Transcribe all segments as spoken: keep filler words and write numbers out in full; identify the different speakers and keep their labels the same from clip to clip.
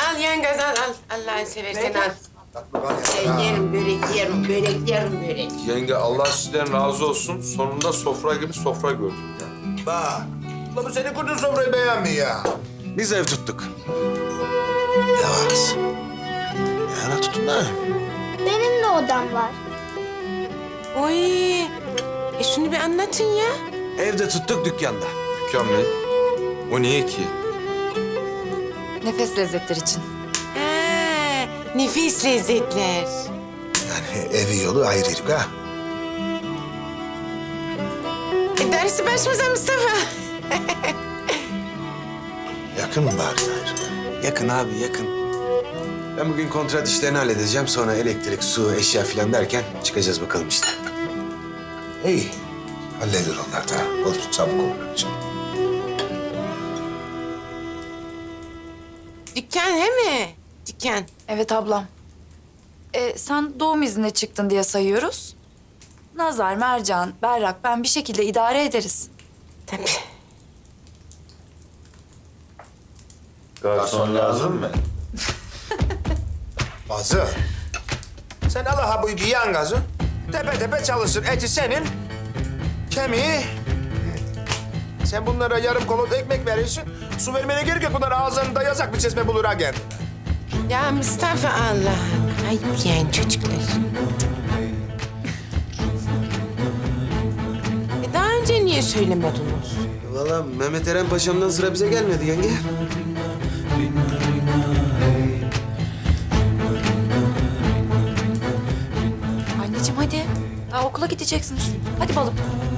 Speaker 1: al yengez al al. Allah'ını seversen al. Ben yerim börek yerim, börek yerim börek.
Speaker 2: Yenge Allah sizden razı olsun. Sonunda sofra gibi sofra gördük ya.
Speaker 3: Bak. Ulan bu senin kurduğun sofrayı beğenmiyor ya.
Speaker 4: Biz ev tuttuk.
Speaker 3: Yavaş. Yana tutun ha.
Speaker 5: Benim de odam var.
Speaker 1: Oy. E şunu bir anlatın ya.
Speaker 4: Evde tuttuk dükkanda.
Speaker 2: Dükkan mı? O niye ki?
Speaker 6: Nefes lezzetleri için.
Speaker 1: Ha, nefis lezzetler.
Speaker 3: Yani evi yolu ayrıydık ha.
Speaker 1: E, dersi başımıza Mustafa.
Speaker 3: Yakın mı bari gayrı?
Speaker 4: Yakın abi yakın. Ben bugün kontrat işlerini halledeceğim. Sonra elektrik, su, eşya falan derken çıkacağız bakalım işte.
Speaker 3: İyi. Halleder onlar da. Olur çabuk olur.
Speaker 1: Dükkan he mi? Dükkan.
Speaker 6: Evet ablam. Ee, sen doğum iznine çıktın diye sayıyoruz. Nazar, Mercan, Berrak ben bir şekilde idare ederiz.
Speaker 1: Tabii.
Speaker 3: Garson lazım mı? Bazı. Sen al ha bu yiyen gazı. Tepe tepe çalışsın. Eti senin. Kemiği. Sen bunlara yarım kolot ekmek veriyorsun. Su vermene gerek yok. Bunlar ağızlarında yasak bir çeşme bulur ha kendine.
Speaker 1: Ya Mustafa Allah Allah. Ayıp yani çocuklar. E daha önce niye söylemediniz?
Speaker 4: Vallahi Mehmet Eren Paşa'mdan sıra bize gelmedi yenge.
Speaker 6: Anneciğim hadi. Daha okula gideceksiniz. Hadi balım.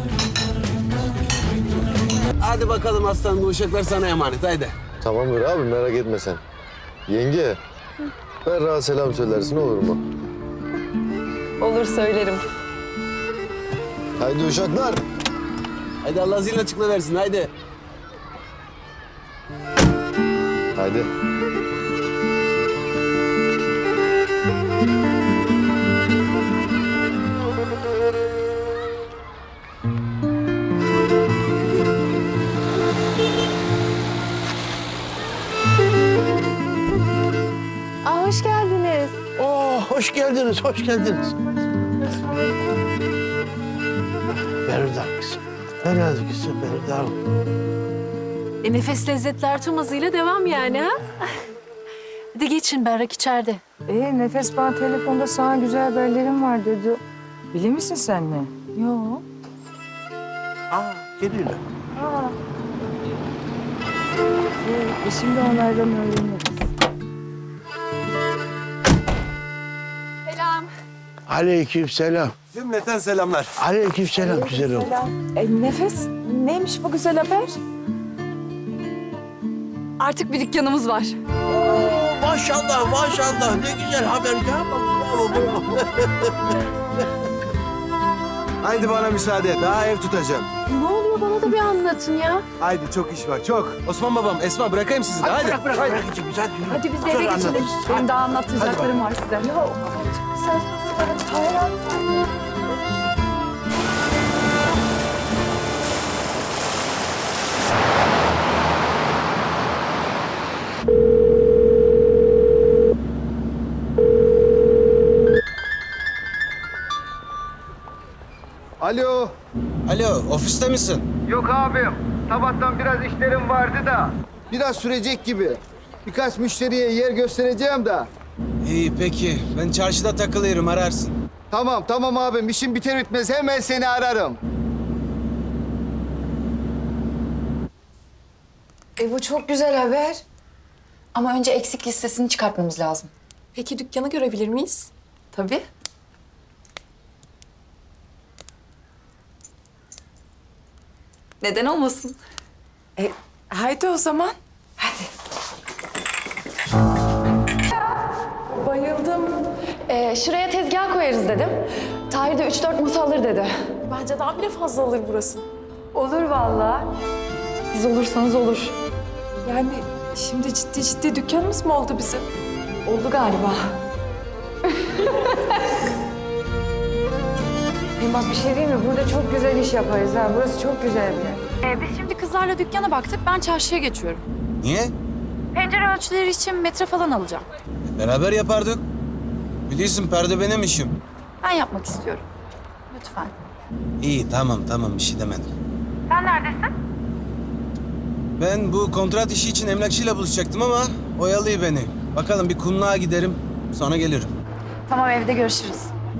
Speaker 7: Hadi bakalım aslanım, bu uşaklar sana emanet, haydi.
Speaker 8: Tamamdır abi, merak etme sen. Yenge, Berrak'a selam söylersin, olur mu?
Speaker 9: Olur, söylerim.
Speaker 8: Haydi uşaklar.
Speaker 7: Haydi Allah zilin açıkla versin, haydi.
Speaker 8: Haydi.
Speaker 9: Aa, hoş geldiniz.
Speaker 10: Oo, hoş geldiniz, hoş geldiniz. Berda kızım. Berda kızım, Berda.
Speaker 9: E, nefes lezzetler tüm hızıyla devam yani ha? Hadi geçin, Berrak içeride.
Speaker 11: Ee, Nefes bana telefonda sana güzel haberlerim var dedi. Bilir misin sen ne?
Speaker 9: Yok.
Speaker 10: Aa, geliyorlar.
Speaker 11: Aa. Ee, e şimdi onlardan öğreniriz.
Speaker 6: Selam.
Speaker 10: Aleyküm selam.
Speaker 4: Cümleten selamlar.
Speaker 10: Aleyküm selam güzel oğlum.
Speaker 11: Selam. E, Nefes, neymiş bu güzel haber?
Speaker 6: Artık bir dükkanımız var.
Speaker 10: Oo, maşallah, maşallah. Ne güzel haber ya. Bravo, bravo.
Speaker 4: Haydi bana müsaade. Daha ev tutacağım.
Speaker 9: Ne oluyor, bana da bir anlatın ya.
Speaker 4: Haydi çok iş var, çok. Osman babam, Esma bırakayım sizi de. Haydi.
Speaker 10: Bırak, bırak, bırak. Hadi, güzel, yürü.
Speaker 11: Hadi biz de
Speaker 10: Sonra
Speaker 11: eve geçelim.
Speaker 10: anlatırız.
Speaker 11: Benim daha anlatacaklarım var size. Yok. Sen sigara
Speaker 8: Alo.
Speaker 4: Alo, ofiste misin?
Speaker 8: Yok abim. Sabahtan biraz işlerim vardı da. Biraz sürecek gibi. Birkaç müşteriye yer göstereceğim de.
Speaker 4: İyi peki. Ben çarşıda takılıyorum, ararsın.
Speaker 8: Tamam, tamam abim. İşim biter bitmez hemen seni ararım.
Speaker 6: E bu çok güzel haber. Ama önce eksik listesini çıkartmamız lazım.
Speaker 9: Peki dükkanı görebilir miyiz?
Speaker 6: Tabii. Neden olmasın?
Speaker 1: E, haydi o zaman.
Speaker 6: Hadi.
Speaker 9: Bayıldım.
Speaker 6: Ee, şuraya tezgah koyarız dedim. Tahir de üç dört masa alır dedi.
Speaker 9: Bence daha bile fazla alır burası.
Speaker 11: Olur vallahi.
Speaker 6: Siz olursanız olur.
Speaker 9: Yani şimdi ciddi ciddi dükkanımız mı oldu bizim?
Speaker 6: Oldu galiba.
Speaker 11: Hem bak bir şey diyeyim mi? Burada çok güzel iş yaparız ha. Burası çok güzel bir yer.
Speaker 6: Ee, biz şimdi kızlarla dükkana baktık. Ben çarşıya geçiyorum.
Speaker 4: Niye?
Speaker 6: Pencere ölçüleri için metre falan alacağım.
Speaker 7: Beraber yapardık. Biliyorsun perde benim işim.
Speaker 6: Ben yapmak istiyorum. Lütfen.
Speaker 7: İyi tamam tamam bir şey demedim.
Speaker 6: Sen neredesin?
Speaker 7: Ben bu kontrat işi için emlakçıyla buluşacaktım ama oyalıyor beni. Bakalım bir kumluğa giderim sonra gelirim.
Speaker 6: Tamam, evde görüşürüz.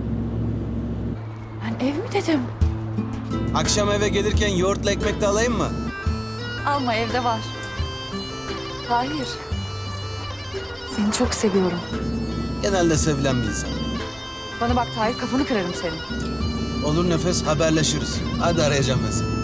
Speaker 6: Ben ev mi dedim?
Speaker 7: Akşam eve gelirken yoğurtla ekmek de alayım mı?
Speaker 6: Alma, evde var. Tahir. Seni çok seviyorum.
Speaker 7: Genelde sevilen bir insan.
Speaker 6: Bana bak Tahir, kafanı kırarım senin.
Speaker 7: Olur Nefes haberleşiriz. Hadi arayacağım ben seni.